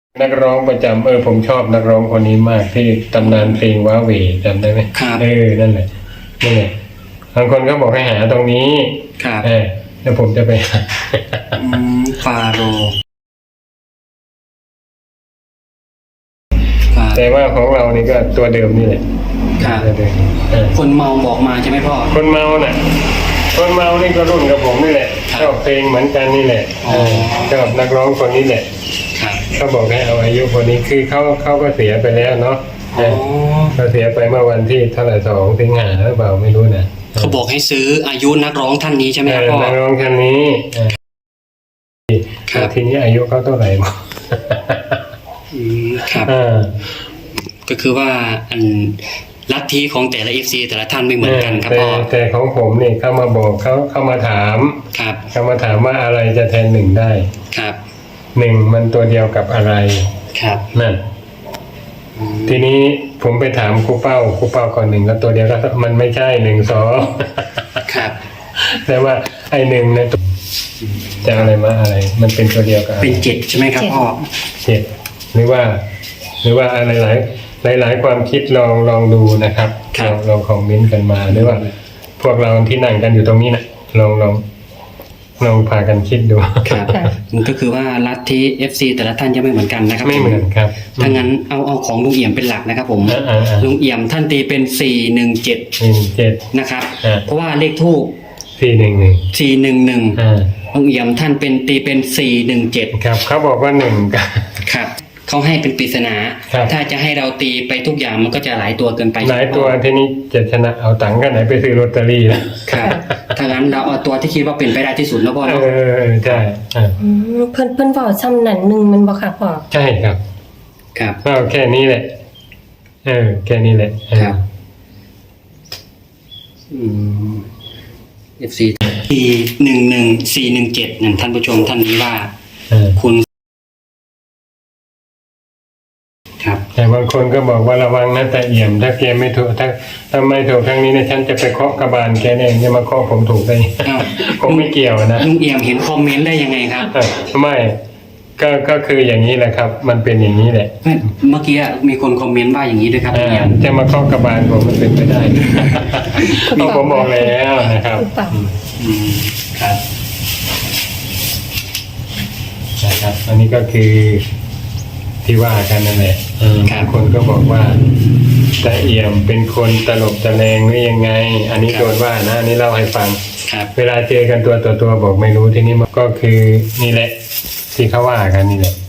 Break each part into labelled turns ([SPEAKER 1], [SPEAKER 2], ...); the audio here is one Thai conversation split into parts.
[SPEAKER 1] นักร้องประจำผมชอบนักร้องคนนี้มากที่ตำนานเพลงว้าเหวจำได้ไหม
[SPEAKER 2] ครับ
[SPEAKER 1] นั่นแหละบางคนก็บอกให้หาตรงนี้
[SPEAKER 2] ครับ
[SPEAKER 1] แล้วผมจะไปหา
[SPEAKER 2] ฟาโร
[SPEAKER 1] แต่ว่าของเรานี่ก็ตัวเดิมนี่แหละ
[SPEAKER 2] ตัวเดิมคนเมาบอกมาใช่ไหมพ่อ
[SPEAKER 1] คนเมาน่ะคนเมานี่ก็รุ่นกับผมนี่แหละชอบเพลงเหมือนกันนี่แหละชอบนักร้องคนนี้แหละเขาบอกให้เอาอายุคนนี้คือเขาก็เสียไปแล้วเนาะเขาเสียไปเมื่อวันที่เท่าไหร่2 สิงหาหรือเปล่าไม่รู้นะ
[SPEAKER 2] เขาบอกให้ซื้ออายุนักร้องท่านนี้ใช่ไหมครับพ่อ
[SPEAKER 1] นักร้องท่านนี้ทีนี้อายุเขาเท่าไหร่บ้าง
[SPEAKER 2] ครับก็คือว่าลัทธิของแต่ละFCแต่ละท่านไม่เหมือนกันครับพ่อ
[SPEAKER 1] แต่ของผมนี่เข้ามาบอกเข้ามาถามเข้ามาถามว่าอะไรจะแทนหนึ่งได้
[SPEAKER 2] ครับ
[SPEAKER 1] 1มันตัวเดียวกับอะไร
[SPEAKER 2] ครับ
[SPEAKER 1] นั่นทีนี้ผมไปถามครูเป้าก่อน1แล้วตัวเดียวก็มันไม่ใช่1 2
[SPEAKER 2] ครับ
[SPEAKER 1] แต่ว่าไอ้1เนี่ยจะอะไรมาอะไรมันเป็นตัวเดียวกัน
[SPEAKER 2] เป็น7ใช่ไหมครับพ่อ
[SPEAKER 1] 7หรือว่าอะไรหลายความคิดลองดูนะครับลองคอมเมนต์กันมาหรือว่าพวกเราที่นั่งกันอยู่ตรงนี้นะลองพากันคิดดู
[SPEAKER 2] ครับมันก็คือว่าลัทธิ FC แต่ละท่านจะไม่เหมือนกันนะครับ
[SPEAKER 1] ไม่เหมือนครับ
[SPEAKER 2] ถ้างั้นเอาของลุงเอี่ยมเป็นหลักนะครับผมลุงเอี่ยมท่านตีเป็น417นะครับเพราะว่าเลขทูป411ลุงเอี่ยมท่านเป็นตีเป็น417
[SPEAKER 1] ครับเขาบอกว่า1
[SPEAKER 2] ครับเขาให้เป็นปริศนาถ้าจะให้เราตีไปทุกอย่างมันก็จะหลายตัวเกินไป
[SPEAKER 1] หลายตัวทีนี้จะชนะเอาตังค์กันไหนไปซื้อลอตเตอรี่นะครับ
[SPEAKER 2] ถ้างั้นเราเอาตัวที่คิดว่าเป็นไปได้ที่สุดแล้วพ่อเนาะ
[SPEAKER 1] ใช่
[SPEAKER 3] เพิ่นบอกซ้ำนั่น1มันบ่ค่ะพ่อ
[SPEAKER 1] ใช่ครับก็แค่นี้แหละแค่นี้แหละ
[SPEAKER 2] ครับFC 417นั่นท่านผู้ชมท่านนี้ว่าคุณ
[SPEAKER 1] แต่บางคนก็บอกว่าระวังนะแต่เอี่ยมถ้าแกไม่ถูกถ้าไม่ถูกครั้งนี้เนี่ยฉันจะไปเคาะกระบาลแกเองจะมาเคาะผมถูกได้ผมไม่เกี่ยวนะ
[SPEAKER 2] ลุงเอี่ยมเห็นคอมเมนต์ได้ยังไงครับ
[SPEAKER 1] ไม่ก็คืออย่างนี้แหละครับมันเป็นอย่างนี้แหละ
[SPEAKER 2] เมื่อกี้มีคนคอมเมนต์ว่าอย่างนี้ด้วยครับลุงเอี่ยม
[SPEAKER 1] จะมาเคาะกระบาลผมมันเป็นไปได้ผมบอกแล้วนะครับครับอันนี้ก็คือที่ว่ากันนั่นแหละบางคนก็บอกว่าตาเอี่ยมเป็นคนตลกตะแลงหรือยังไงอันนี้โดนว่านะอันนี้เล่าให้ฟังเวลาเจอกันตัวต่อตัวบอกไม่รู้ทีนี้ก็คือนี่แหละที่เขาว่ากันนี่แหละ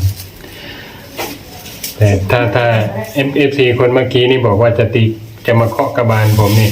[SPEAKER 1] แต่ถ้า FC คนเมื่อกี้นี่บอกว่าจะมาเคาะกระบาลผมนี่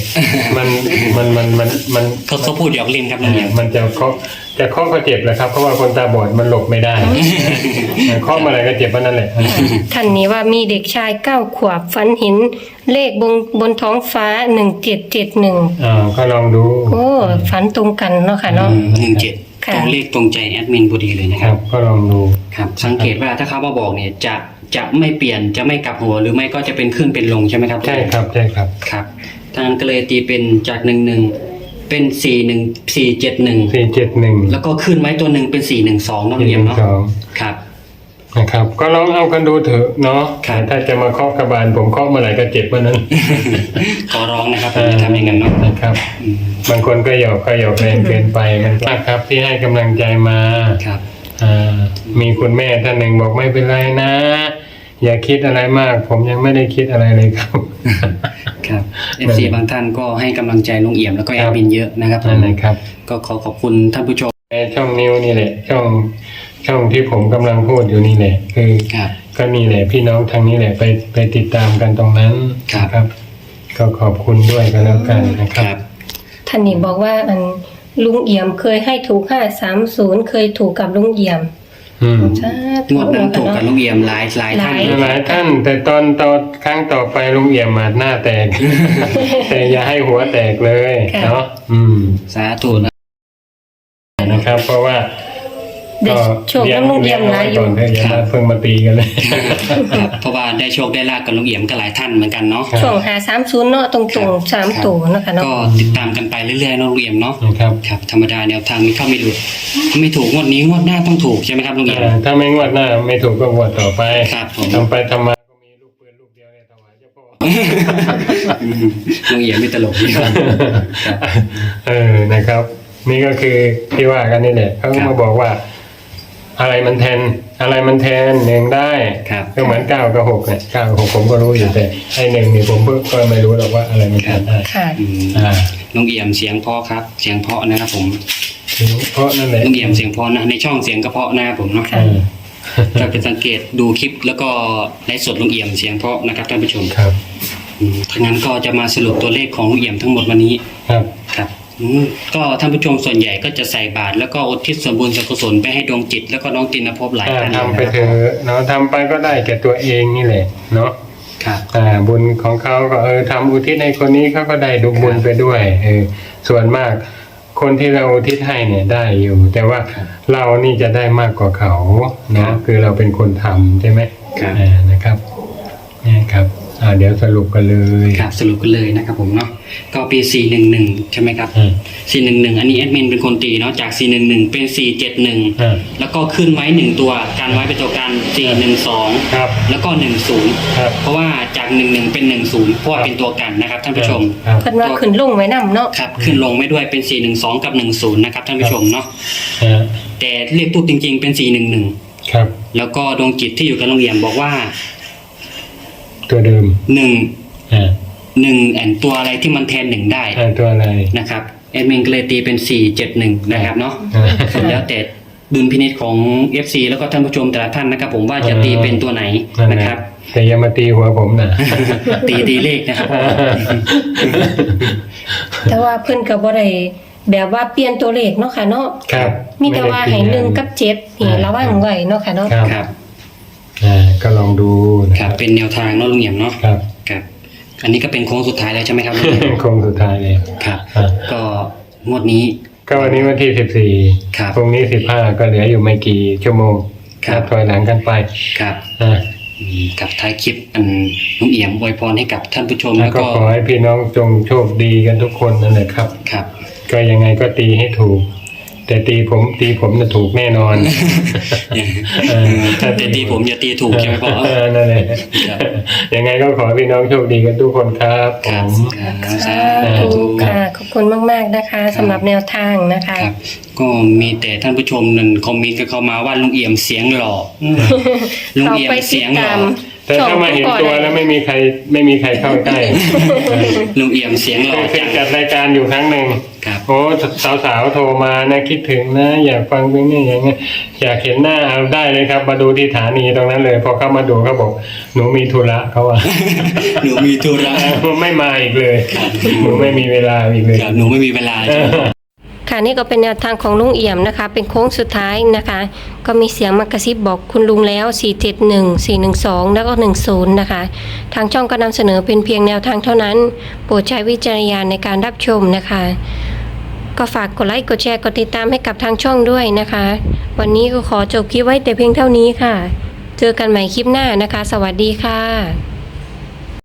[SPEAKER 1] มัน
[SPEAKER 2] เขาพูดหยอกเล่นครับเนี่ย
[SPEAKER 1] มันจะเคาะก็เจ็บแหละครับเพราะว่าคนตาบอดมันหลบไม่ได้เคาะเมื่อไหร่ก็เจ็บนั่นแหละ
[SPEAKER 3] ท่านนี้ว่ามีเด็กชาย9 ขวบฝันเห็นเลขบนท้องฟ้า1771
[SPEAKER 1] ก็ลองดู
[SPEAKER 3] โอ้ฝันตรงกันเนาะค่ะเนาะ
[SPEAKER 2] 17ตรงเลขตรงใจแอดมินพอดีเลยนะครับ
[SPEAKER 1] ก็ลองดู
[SPEAKER 2] ครับสังเกตว่าถ้าเขามาบอกเนี่ยจะไม่เปลี่ยนจะไม่กลับหัวหรือไม่ก็จะเป็นขึ้นเป็นลงใช่ไหมครับ
[SPEAKER 1] ใช่ครับ
[SPEAKER 2] ครับทางนั้นก็เลยตีเป็นจาก11เป็น471แล้วก็ขึ้นไว้ตัวหนึ่งเป็น412น้องเรียมเนาะครับ
[SPEAKER 1] นะครับก็ลองเอากันดูเถอะเนาะถ้าจะมาเคาะกระบาลผมเคาะเมื่อไหร่ก็เจ็บเมื่อนั้น
[SPEAKER 2] ขอร้องนะครับจะทำอย่างนั้นเนาะ
[SPEAKER 1] นะครับบางคนก็หยอกแรงเกินไปมันครับที่ให้กำลังใจมา
[SPEAKER 2] ครับ
[SPEAKER 1] มีคุณแม่ท่านหนึ่งบอกไม่เป็นไรนะอย่าคิดอะไรมากผมยังไม่ได้คิดอะไรเลยครับ
[SPEAKER 2] FC บางท่านก็ให้กำลังใจลุงเอี่ยมแล้วก็แอดมินเยอะนะครับก็ขอบคุณท่านผู้ชม
[SPEAKER 1] ช่องนิวนี่แหละช่องที่ผมกำลังพูดอยู่นี่แหละคือก็นี่แหละพี่น้องทางนี้แหละไปติดตามกันตรงนั้นครับก็ขอบคุณด้วยกันแล้วกันนะครับ
[SPEAKER 3] ท่านนี้บอกว่าลุงเอี่ยมเคยให้ถูก530เคยถูกกับลุงเอี่ยม
[SPEAKER 2] งวดนั้นถูกกับลุงเอี่ยมหลาย
[SPEAKER 1] ท่านแต่ตอนครั้งต่อไปลุงเอี่ยมมาหน้าแตกแต่อย่าให้หัวแตกเลยเนาะ
[SPEAKER 2] สาธุ
[SPEAKER 1] นะครับเพราะว่า
[SPEAKER 3] ได้โชคน้ำลุงเอี่ยมหลายอยู่
[SPEAKER 1] ก่อนเถอะอย่ามาเพิ่งมาตีกันเลย
[SPEAKER 2] ครับเพราะว่าได้โชคได้ลาบกับลุงเอี่ยมก็หลายท่านเหมือนกันเนาะ
[SPEAKER 3] ช่วง530เนาะตรงๆ3ตัวเนาะค่ะเนาะ
[SPEAKER 2] ก็ติดตามกันไปเรื่อยๆเนาะลุงเอี่ยมเนาะ
[SPEAKER 1] ครับ
[SPEAKER 2] ครับธรรมดาแนวทางมีเข้าไม่หลุดถ้าไม่ถูกงวดนี้งวดหน้าต้องถูกใช่ไหมครับลุงเอี่ยม
[SPEAKER 1] ถ้าไม่งวดหน้าไม่ถูกก็งวดต่อไป
[SPEAKER 2] ครับผม
[SPEAKER 1] ทำไปทำมาก็มีลูกปืนลูกเดียวเนี่ยถวายเจ้าพ่อ
[SPEAKER 2] ลุงเอี่ยมไม่ตลกดีครับ
[SPEAKER 1] นะครับ นี่ก็คือที่ว่ากันนี่แหละเขาก็มาบอกว่า อะไรมันแทนหนึ่งได้
[SPEAKER 2] ครับ
[SPEAKER 1] ก็เหมือน9 กับ 6เนี่ย9 กับ 6ผมก็รู้อยู่แต่ไอ้หนึ่งนี่ผมเพิ่งก็ไม่รู้หรอกว่าอะไรมันแทนได้
[SPEAKER 3] ค่ะ
[SPEAKER 2] อืม
[SPEAKER 1] อ่า
[SPEAKER 2] ลุงเอี่ยมเสียงเพราะครับ เสียงเพราะนะครับผม
[SPEAKER 1] เพราะนั่นแหละ
[SPEAKER 2] ลุงเอี่ยมเสียงเพราะนะในช่องเสียงกระเพาะนะครับผมเนาะ
[SPEAKER 3] ค่ะ
[SPEAKER 2] จะเป็นสังเกตดูคลิปแล้วก็ไลฟ์สดลุงเอี่ยมเสียงเพราะนะครับท่านผู้ชม
[SPEAKER 1] ครับ
[SPEAKER 2] ทั้างนั้นก็จะมาสรุปตัวเลขของลุงเอี่ยมทั้งหมดวันนี้
[SPEAKER 1] ครับ
[SPEAKER 2] ครับก็ท่านผู้ชมส่วนใหญ่ก็จะใส่บาตรแล้วก็อุทิศส่วนบุญส่วนกุศลไปให้ดวงจิตแล้วก็น้องตินภพหลายท่าน
[SPEAKER 1] ทำไป
[SPEAKER 2] นะ
[SPEAKER 1] เถ
[SPEAKER 2] ครับ
[SPEAKER 1] อะเนาะทำไปก็ได้แก่ตัวเองนี่แหละเนาะ
[SPEAKER 2] ครับ
[SPEAKER 1] บุญของเขาก็ทำอุทิศในคนนี้เขาก็ได้ดูบุญไปด้วยส่วนมากคนที่เราอุทิศให้เนี่ยได้อยู่ แต่ว่าเรานี่จะได้มากกว่าเขาเนาะคือเราเป็นคนทำใช่ไหม
[SPEAKER 2] ครับ
[SPEAKER 1] นะครับนี่ครับเดี๋ยวสรุปกันเลย
[SPEAKER 2] ครับสรุปกันเลยนะครับผมเนาะก็ปี411ใช่ไหมครับ
[SPEAKER 1] อืม
[SPEAKER 2] 411อันนี้แอดมินเป็นคนตีเนาะจาก411เป็น471แล้วก็ขึ้นไว้1ตัวการไว้เป็นตัวการ412
[SPEAKER 1] ครับ
[SPEAKER 2] แล้วก็10
[SPEAKER 1] ครับ
[SPEAKER 2] เพราะว่าจาก11เป็น10เพราะว่าเป็นตัวกันนะครับท่านผู้ชม
[SPEAKER 1] ครับ
[SPEAKER 3] เพิ่นว่าขึ้นลงไว้นำเนาะ
[SPEAKER 2] ครับขึ้นลงไม่ด้วยเป็น412กับ10นะครับท่านผู้ชมเนาะ
[SPEAKER 1] อ่า
[SPEAKER 2] แต่เลขตู้จริงๆเป็น411
[SPEAKER 1] ครับ
[SPEAKER 2] แล้วก็ดวงจิตที่อยู่กับโรงเรียนบอกว่า
[SPEAKER 1] ตัวเดิม
[SPEAKER 2] 1
[SPEAKER 1] อ่า
[SPEAKER 2] แอนตัวอะไรที่มันแทน1ได้
[SPEAKER 1] ตัวอะไร
[SPEAKER 2] นะครับแอดมินก็เลยตีเป็น471นะครับเนาะ
[SPEAKER 1] อ่า
[SPEAKER 2] ส่วนแล้วแต่ดุลพินิจของ FC แล้วก็ท่านผู้ชมแต่ละท่านนะครับผมว่าจะตีเป็นตัวไหนนะครับ
[SPEAKER 1] แต่อย่ามาตีหัวผมนะ
[SPEAKER 2] ตีเลขนะครับ
[SPEAKER 3] แต่ว่าเพิ่นก็บ่ได้แบบว่าเปลี่ยนตัวเลขเนาะค่ะเนาะ
[SPEAKER 1] ครับ
[SPEAKER 3] มีแต่ว่าให้1กับ7นี่ระวังไว้เนาะค่ะเนาะ
[SPEAKER 2] ครับ
[SPEAKER 1] ก็ลองดูนะ
[SPEAKER 2] ค
[SPEAKER 1] ค
[SPEAKER 2] รั
[SPEAKER 1] รั
[SPEAKER 2] บบ เป็นแนวทางเนาะลุงเหี่ยมเนาะ
[SPEAKER 1] ครับ
[SPEAKER 2] ครับอันนี้ก็เป็นโค้งสุดท้ายแล้วใช่ไหมครับลุงเหี่ยม
[SPEAKER 1] โคงสุดท้ายเลย
[SPEAKER 2] ครับ
[SPEAKER 1] อ่า
[SPEAKER 2] ก็งวดนี้
[SPEAKER 1] ก็วันนี้วันที่
[SPEAKER 2] ครับ
[SPEAKER 1] 14พรุ่งนี้15ก็เหลืออยู่ไม่กี่ชั่วโมง
[SPEAKER 2] ครับ
[SPEAKER 1] นัถอยหลังกันไป
[SPEAKER 2] ครับ
[SPEAKER 1] อ่า
[SPEAKER 2] กับท้ายคลิปอันลุงเอี่ยมอวยพรให้กับท่านผู้ชม
[SPEAKER 1] แล้
[SPEAKER 2] แล้ว ว
[SPEAKER 1] ก็
[SPEAKER 2] ก็
[SPEAKER 1] ขอให้พี่น้องจงโชคดีกันทุกคนนั่นแหละครับ
[SPEAKER 2] ครับ
[SPEAKER 1] ก็ยังไงก็ตีให้ถูก แต่ตีผมจะถูกแน่นอน
[SPEAKER 2] แต่ตีผมอย่าตีถูกใช่ไหมพ่อ
[SPEAKER 1] นั่นแหละ
[SPEAKER 2] ครับ
[SPEAKER 1] ยังไงก็ขอให้พี่น้องโชคดีกันทุกคนครับผ
[SPEAKER 2] ครับ
[SPEAKER 1] ม
[SPEAKER 2] ครับสา
[SPEAKER 3] สา
[SPEAKER 2] ธุ
[SPEAKER 3] ธุค่ะขอบคุณมากๆนะคะสำหรับแนวทางนะคะ
[SPEAKER 2] ครับ ก็มีแต่ท่านผู้ชมนั่นคอมเมนต์กันเข้ามาว่าลุงเอี่ยมเสียงหล่อลุง
[SPEAKER 3] เขา
[SPEAKER 2] เอี่ยม
[SPEAKER 3] ไปติ
[SPEAKER 2] เสี
[SPEAKER 3] ด
[SPEAKER 2] ยงหล่
[SPEAKER 3] ตา
[SPEAKER 2] อ
[SPEAKER 3] ม
[SPEAKER 1] แต่ถ้ามาเห็นตัวแล้วไม่มีใครเข้าใกล้
[SPEAKER 2] ลุงเอี่ยมเสียงหล่อ
[SPEAKER 1] เคย
[SPEAKER 2] จัง
[SPEAKER 1] จัดรายการอยู่ครั้งหนึ่ง
[SPEAKER 2] ครับ
[SPEAKER 1] โอ้สาวๆโทรมานะคิดถึงนะ อยากฟังเพลงนี้อย่างเงี้ยอยากเห็นหน้าเอาได้เลยครับ มาดูที่สถานีตรงนั้นเลยพอเข้ามาดูเขาบอกหนูมีธุระเขาว่า
[SPEAKER 2] หนูมีธุระ
[SPEAKER 1] ไม่มาอีกเลยหนูไม่มีเวลาอีกเลย
[SPEAKER 2] ครับหนูไม่มีเวลาใช่ไหม
[SPEAKER 3] ค่ะนี่ก็เป็นแนวทางของลุงเอี่ยมนะคะ เป็นโค้งสุดท้ายนะคะ ก็มีเสียงมากระซิบบอกคุณลุงแล้ว 471 412 แล้วก็ 10 นะคะ ทางช่องก็นำเสนอเป็นเพียงแนวทางเท่านั้น โปรดใช้วิจารณญาณในการรับชมนะคะ ก็ฝากกดไลค์กดแชร์กดติดตามให้กับทางช่องด้วยนะคะ วันนี้ก็ขอจบคลิปไว้แต่เพียงเท่านี้ค่ะ เจอกันใหม่คลิปหน้านะคะ สวัสดีค่ะ